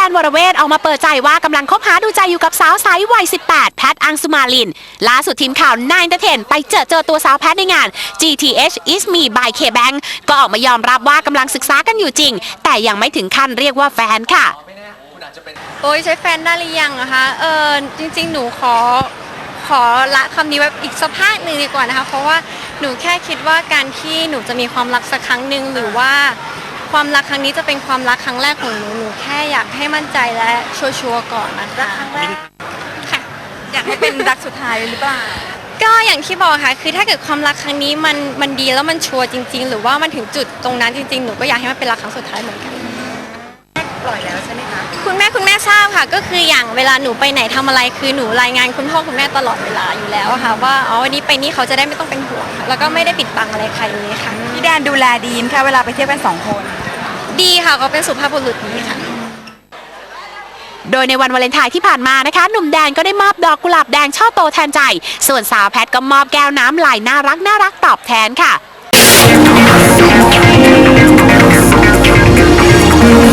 นวรเวทออกมาเปิดใจว่ากำลังคบหาดูใจอยู่กับสาวไซส์วัย 18 แพทอังสุมาลินล่าสุดทีมข่าว9 Entertain ไปเจอตัวสาวแพทในงาน GTH Is Me by K-Bank ก็ออกมายอมรับว่ากำลังศึกษากันอยู่จริงแต่ยังไม่ถึงขั้นเรียกว่าแฟนค่ะโอ้ยใช้แฟนได้หรือยังนะคะจริงๆหนูขอละคำนี้ไว้อีกสักพักหนึ่งดีกว่านะคะเพราะว่าหนูแค่คิดว่าการที่หนูจะมีความรักสักครั้งหนึ่งหรือว่าความรักครั้งนี้จะเป็นความรักครั้งแรกของหนูแค่อยากให้มั่นใจและชัวร์ๆก่อนนะคะครั้งแรกค่ะอยากให้เป็นรักสุดท้ายหรือเปล่าก็อย่างที่บอกค่ะคือถ้าเกิดความรักครั้งนี้มันดีแล้วมันชัวร์จริงๆหรือว่ามันถึงจุดตรงนั้นจริงๆหนูก็อยากให้มันเป็นรักครั้งสุดท้ายเหมือนกันปล่อยแล้วใช่ไหมคะคุณแม่ทราบค่ะก็คืออย่างเวลาหนูไปไหนทำอะไรคือหนูรายงานคุณพ่อคุณแม่ตลอดเวลาอยู่แล้วค่ะว่าวันนี้ไปนี่เขาจะได้ไม่ต้องเป็นห่วงค่ะแล้วก็ไม่ได้ปิดบังอะไรใครเลยค่ะพี่แดนดูแลดีมค่ะเวลาไปเที่ยวกัน2 คนดีค่ะเขาเป็นสุภาพบุรุษดีค่ะโดยในวันวาเลนไทน์ที่ผ่านมานะคะหนุ่มแดนก็ได้มอบดอกกุหลาบแดงช่อโตแทนใจส่วนสาวแพทก็มอบแก้วน้ำลายน่ารักตอบแทนค่ะ